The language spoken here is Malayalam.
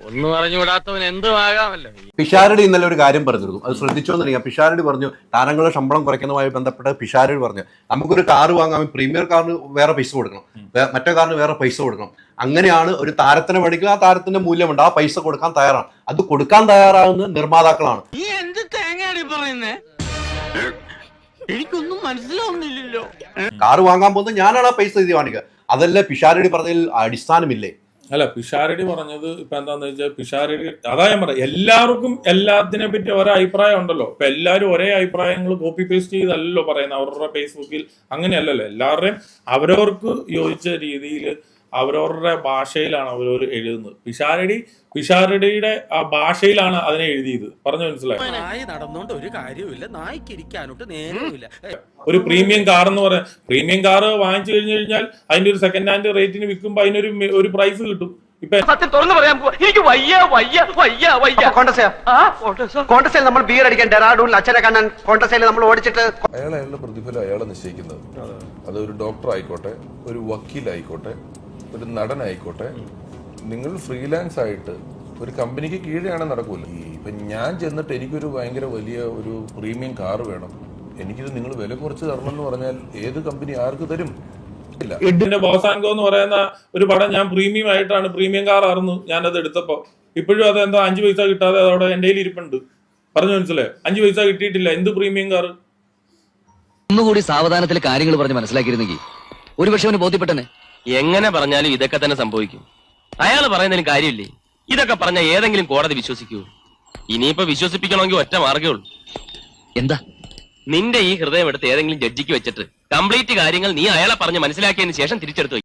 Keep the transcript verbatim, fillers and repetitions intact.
ഒന്ന് പറഞ്ഞുകൂടാത്തവൻ എന്തുമാകാമല്ലോ. പിഷാരടി ഇന്നലെ ഒരു കാര്യം പറഞ്ഞിരുന്നു, അത് ശ്രദ്ധിച്ചോന്നറിയാം. പിഷാരടി പറഞ്ഞു താരങ്ങളുടെ ശമ്പളം കുറയ്ക്കുന്നതുമായി ബന്ധപ്പെട്ട് പിഷാരടി പറഞ്ഞു നമുക്കൊരു കാറ് വാങ്ങാൻ പ്രീമിയർ കാറിന് വേറെ പൈസ കൊടുക്കണം, മറ്റേ കാറിന് വേറെ പൈസ കൊടുക്കണം. അങ്ങനെയാണ് ഒരു താരത്തിനെ മേടിക്കുക, ആ താരത്തിന്റെ മൂല്യമുണ്ട്, ആ പൈസ കൊടുക്കാൻ തയ്യാറാണ്. അത് കൊടുക്കാൻ തയ്യാറാകുന്ന നിർമ്മാതാക്കളാണ്. നീ എന്ത് തേങ്ങയാണ് പറയുന്നേ? എനിക്കൊന്നും മനസ്സിലാവുന്നില്ലല്ലോ. കാറ് വാങ്ങാൻ പോകുന്നത് ഞാനാണ് ആ പൈസ ഇത് കാണിക്കുക. അതല്ലേ പിഷാരടി പറഞ്ഞതിൽ അടിസ്ഥാനമില്ലേ? അല്ല, പിഷാരടി പറഞ്ഞത് ഇപ്പൊ എന്താന്ന് വെച്ചാൽ പിഷാരടി അതാ ഞാൻ പറയാം, എല്ലാവർക്കും എല്ലാത്തിനെ പറ്റി ഒരേ അഭിപ്രായം ഉണ്ടല്ലോ. ഇപ്പൊ എല്ലാവരും ഒരേ അഭിപ്രായങ്ങൾ കോപ്പി പേസ്റ്റ് ചെയ്തല്ലോ പറയുന്നത് അവരുടെ ഫേസ്ബുക്കിൽ. അങ്ങനെയല്ലല്ലോ, എല്ലാവരുടെയും അവരവർക്ക് യോജിച്ച രീതിയിൽ അവരവരുടെ ഭാഷയിലാണ് അവരവർ എഴുതുന്നത്. പിഷാരടി പിഷാരടിയുടെ ആ ഭാഷയിലാണ് അതിനെ എഴുതിയത്. പറഞ്ഞു മനസ്സിലായി? നായി നടന്നുകൊണ്ട് ഒരു കാര്യമില്ല, നായ്ക്ക് ഇരിക്കാനോട്ട് നേരമില്ല. ഒരു പ്രീമിയം കാർ എന്ന് പറയാം, പ്രീമിയം കാർ വാങ്ങിച്ചു കഴിഞ്ഞു കഴിഞ്ഞാൽ അതിന്റെ ഒരു സെക്കൻഡ് ഹാൻഡ് റേറ്റിന് വിൽക്കുമ്പോൾ അതിനൊരു ഒരു പ്രൈസ് കിട്ടും. ഇപ്പൊ സത്യം തുറന്നു പറയാൻ എനിക്ക് വയ്യ വയ്യ വയ്യ വയ്യ കോൺഗ്രസ് നമ്മൾ ബീർ അടിക്കാൻ ഡെറാഡൂണിൽ അച്ഛനെ കാണാൻ കോൺഗ്രസ് നമ്മൾ ഓടിച്ചിട്ട് അയാൾ അയാളുടെ പ്രതിഫലം അയാളെ നിശ്ചയിക്കുന്നത്. അതൊരു ഡോക്ടർ ആയിക്കോട്ടെ, ഒരു വക്കീലായിക്കോട്ടെ, ഒരു നടനായിക്കോട്ടെ, നിങ്ങൾ ഫ്രീലാൻസ് ആയിട്ട് ഒരു കമ്പനിക്ക് കീഴെയാണ് നടക്കൂല. ഈ ഇപ്പൊ ഞാൻ ചെന്നിട്ട് എനിക്കൊരു ഭയങ്കര വലിയ ഒരു പ്രീമിയം കാർ വേണം, എനിക്കിത് നിങ്ങൾ വില കുറച്ച് തരണം എന്ന് പറഞ്ഞാൽ ഏത് കമ്പനി ആർക്ക് തരും? ഇതിന്റെ ബോസാൻകോ എന്ന് പറയുന്ന ഒരു പടം ഞാൻ പ്രീമിയം ആയിട്ടാണ്, പ്രീമിയം കാർ ആയിരുന്നു ഞാനത് എടുത്തപ്പോ. ഇപ്പോഴും അത് എന്താ അഞ്ചു പൈസ കിട്ടാതെ അതോടെ എന്റെ കയ്യിൽ ഇരിപ്പുണ്ട്. പറഞ്ഞു മനസ്സിലായോ? അഞ്ചു പൈസ കിട്ടിയിട്ടില്ല. എന്ത് പ്രീമിയം കാർ? ഒന്നുകൂടി സാവധാനത്തിൽ കാര്യങ്ങൾ പറഞ്ഞ് മനസ്സിലാക്കിയിരുന്നെങ്കിൽ ഒരുപക്ഷെ അവന് ബോധ്യപ്പെട്ടനെ. എങ്ങനെ പറഞ്ഞാലും ഇതൊക്കെ തന്നെ സംഭവിക്കും. അയാൾ പറയുന്നതിന് കാര്യമില്ലേ? ഇതൊക്കെ പറഞ്ഞ ഏതെങ്കിലും കോടതി വിശ്വസിക്കൂ? ഇനിയിപ്പോ വിശ്വസിപ്പിക്കണമെങ്കിൽ ഒറ്റ മാർഗ്ഗേ ഉള്ളൂ. എന്താ? നിന്റെ ഈ ഹൃദയം എടുത്ത് ഏതെങ്കിലും ജഡ്ജിക്ക് വെച്ചിട്ട് കംപ്ലീറ്റ് കാര്യങ്ങൾ നീ അയാളെ പറഞ്ഞ് മനസ്സിലാക്കിയതിന് ശേഷം തിരിച്ചെടുത്തു.